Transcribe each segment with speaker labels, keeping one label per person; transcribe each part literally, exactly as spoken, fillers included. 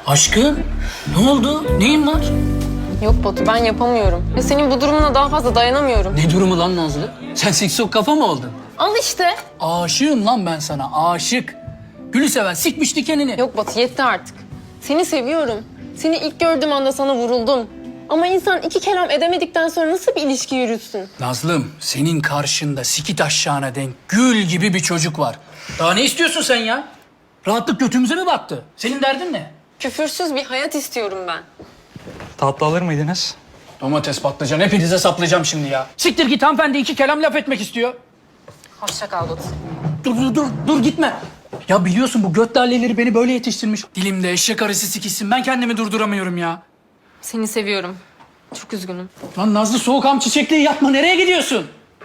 Speaker 1: Aşkım, ne oldu? Neyin var?
Speaker 2: Yok Batu, ben yapamıyorum. Ve senin bu durumuna daha fazla dayanamıyorum.
Speaker 1: Ne durumu lan Nazlı? Sen siksok kafa mı oldun?
Speaker 2: Al işte.
Speaker 1: Aşığım lan ben sana, aşık. Gülü seven sikmiş dikenini.
Speaker 2: Yok Batu, yetti artık. Seni seviyorum. Seni ilk gördüğüm anda sana vuruldum. Ama insan iki kelam edemedikten sonra nasıl bir ilişki yürütsün?
Speaker 1: Nazlım, senin karşında sikit aşağına denk gül gibi bir çocuk var. Daha ne istiyorsun sen ya? Rahatlık götümüze mi battı? Senin derdin ne?
Speaker 2: Küfürsüz bir hayat istiyorum ben.
Speaker 3: Tatlı alır mıydınız?
Speaker 1: Domates, patlıcan, hepinize saplayacağım şimdi ya. Siktir git, hanımefendi iki kelam laf etmek istiyor.
Speaker 2: Hoşça kal Batu.
Speaker 1: Dur, dur, dur, dur gitme. Ya biliyorsun bu göt laleleri beni böyle yetiştirmiş. Dilimde eşek arısı sikişsin, ben kendimi durduramıyorum ya.
Speaker 2: Seni seviyorum. Çok üzgünüm.
Speaker 1: Lan Nazlı, soğukam çiçekliği yapma, nereye gidiyorsun?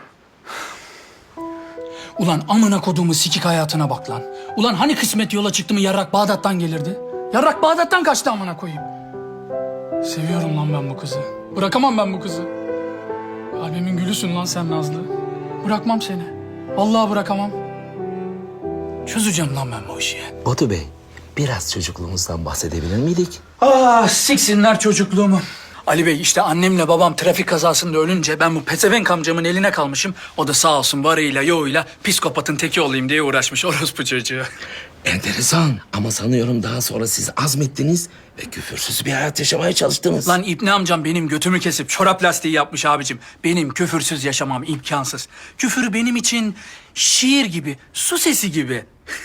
Speaker 1: Ulan amına koduğumu sikik hayatına bak lan. Ulan hani kısmet yola çıktı mı yarrak Bağdat'tan gelirdi? Yarrak Bağdat'tan kaçtı amına koyayım. Seviyorum lan ben bu kızı. Bırakamam ben bu kızı. Kalbimin gülüsün lan sen Nazlı. Bırakmam seni. Vallahi bırakamam. Çözeceğim lan ben bu işi.
Speaker 4: Batu Bey, biraz çocukluğumuzdan bahsedebilir miydik?
Speaker 1: Ah siksinler çocukluğumu. Ali Bey, işte annemle babam trafik kazasında ölünce ben bu pezevenk amcamın eline kalmışım. O da sağ olsun varıyla yoğuyla psikopatın teki olayım diye uğraşmış orospu çocuğu.
Speaker 4: Enteresan ama sanıyorum daha sonra siz azmettiniz ve küfürsüz bir hayat yaşamaya çalıştınız.
Speaker 1: Lan İbni amcam benim götümü kesip çorap lastiği yapmış abicim. Benim küfürsüz yaşamam imkansız. Küfür benim için şiir gibi, su sesi gibi.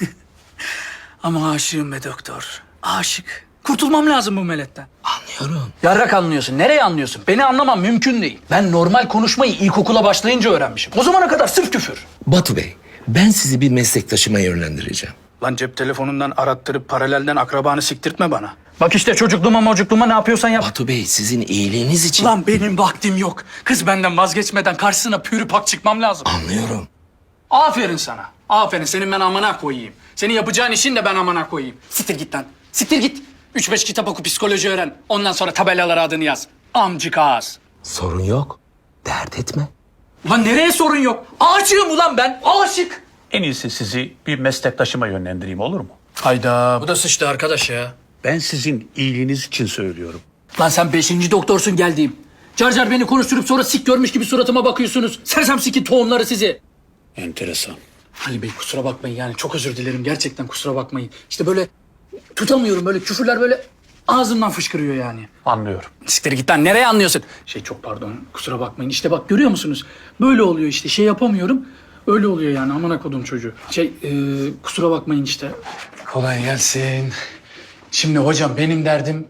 Speaker 1: Ama aşığım be doktor, aşık. Kurtulmam lazım bu meletten.
Speaker 4: Anlıyorum.
Speaker 1: Yarrak anlıyorsun. Nereye anlıyorsun? Beni anlamam mümkün değil. Ben normal konuşmayı ilkokula başlayınca öğrenmişim. O zamana kadar sırf küfür.
Speaker 4: Batu Bey, ben sizi bir meslektaşıma yönlendireceğim.
Speaker 1: Lan cep telefonundan arattırıp paralelden akrabanı siktirtme bana. Bak işte çocukluğuma mocukluğuma ne yapıyorsan yap.
Speaker 4: Batu Bey, sizin iyiliğiniz için...
Speaker 1: Lan benim vaktim yok. Kız benden vazgeçmeden karşısına pürü pak çıkmam lazım.
Speaker 4: Anlıyorum.
Speaker 1: Aferin sana. Aferin. Senin ben amına koyayım. Senin yapacağın işin de ben amına koyayım. Siktir git lan. Siktir git. Üç beş kitap oku, psikoloji öğren. Ondan sonra tabelalara adını yaz. Amcık ağız.
Speaker 4: Sorun yok. Dert etme.
Speaker 1: Ulan nereye sorun yok? Aşığım ulan ben. Aşık.
Speaker 5: En iyisi sizi bir meslektaşıma yönlendireyim, olur mu?
Speaker 1: Hayda. Bu da sıçtı arkadaş ya.
Speaker 5: Ben sizin iyiliğiniz için söylüyorum.
Speaker 1: Lan sen beşinci doktorsun geldiğim. Car car beni konuşturup sonra sik görmüş gibi suratıma bakıyorsunuz. Sersem sikin tohumları sizi.
Speaker 5: Enteresan.
Speaker 1: Ali Bey kusura bakmayın yani çok özür dilerim. Gerçekten kusura bakmayın. İşte böyle tutamıyorum, böyle küfürler böyle ağzımdan fışkırıyor yani.
Speaker 5: Anlıyorum.
Speaker 1: Siktir git lan, nereye anlıyorsun? Şey çok pardon, kusura bakmayın. İşte bak görüyor musunuz? Böyle oluyor işte, şey yapamıyorum. Öyle oluyor yani, amına kodum çocuğu. Şey e, kusura bakmayın işte. Kolay gelsin. Şimdi hocam benim derdim...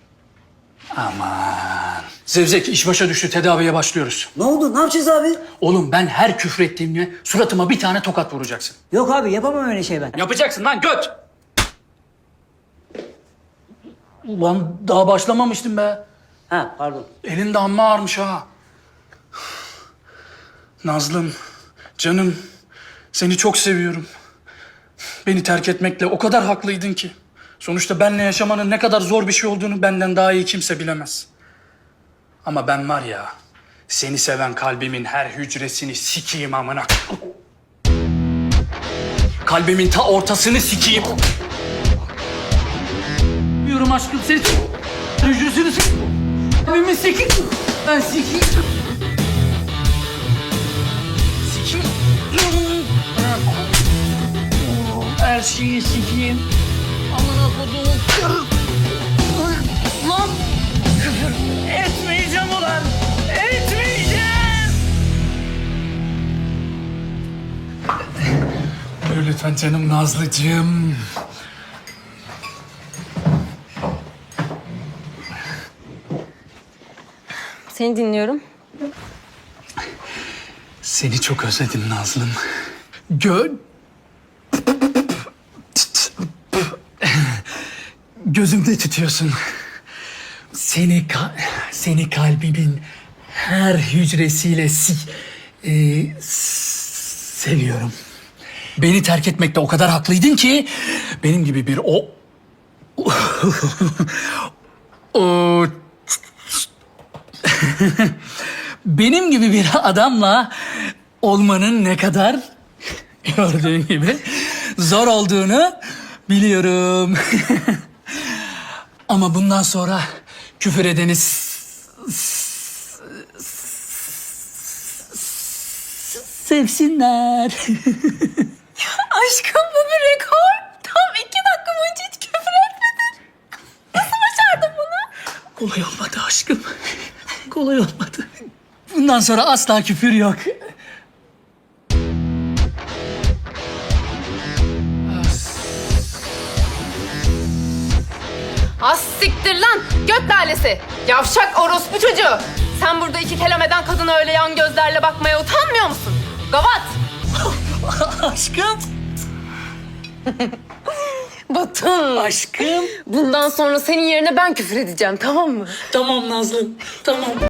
Speaker 1: Aman. Zevzek iş başa düştü, tedaviye başlıyoruz.
Speaker 6: Ne oldu? Ne yapacağız abi?
Speaker 1: Oğlum ben her küfrettiğimde suratıma bir tane tokat vuracaksın.
Speaker 6: Yok abi yapamam öyle şey ben.
Speaker 1: Yapacaksın lan göt! Ulan daha başlamamıştım be.
Speaker 6: Ha pardon.
Speaker 1: Elin de amma ağırmış ha. Nazlım, canım, seni çok seviyorum. Beni terk etmekle o kadar haklıydın ki. Sonuçta benle yaşamanın ne kadar zor bir şey olduğunu benden daha iyi kimse bilemez. Ama ben var ya, seni seven kalbimin her hücresini sikeyim amına. Kalbimin ta ortasını sikeyim. Yürüm aşkım seni. Hücresini sikeyim. Kalbimi sikeyim. Ben sikeyim. Sikeyim. Her şeyi sikeyim. Amına koduğum. Lan! Küfür etmeyeceğim ulan! Etmeyeceğim! Buyur lütfen canım Nazlıcığım.
Speaker 2: Seni dinliyorum.
Speaker 1: Seni çok özledim Nazlım. Gö... Gözümde tutuyorsun. Seni ka- seni kalbimin her hücresiyle si e, s- seviyorum. Beni terk etmekte o kadar haklıydın ki benim gibi bir o o benim gibi bir adamla olmanın ne kadar gördüğün gibi zor olduğunu biliyorum. Ama bundan sonra küfür edeni s- s- sevsinler.
Speaker 2: Aşkım bu bir rekor. Tam iki dakika boyunca hiç küfür etmedin. Nasıl başardın bunu?
Speaker 1: Kolay olmadı aşkım. Kolay olmadı. Bundan sonra asla küfür yok.
Speaker 2: Az siktir lan göt lalesi. Yavşak orospu çocuğu. Sen burada iki kelam eden kadına öyle yan gözlerle bakmaya utanmıyor musun? Gavat.
Speaker 1: Aşkım.
Speaker 2: Batın.
Speaker 1: Aşkım.
Speaker 2: Bundan sonra senin yerine ben küfür edeceğim tamam mı?
Speaker 1: Tamam Nazlı. Tamam.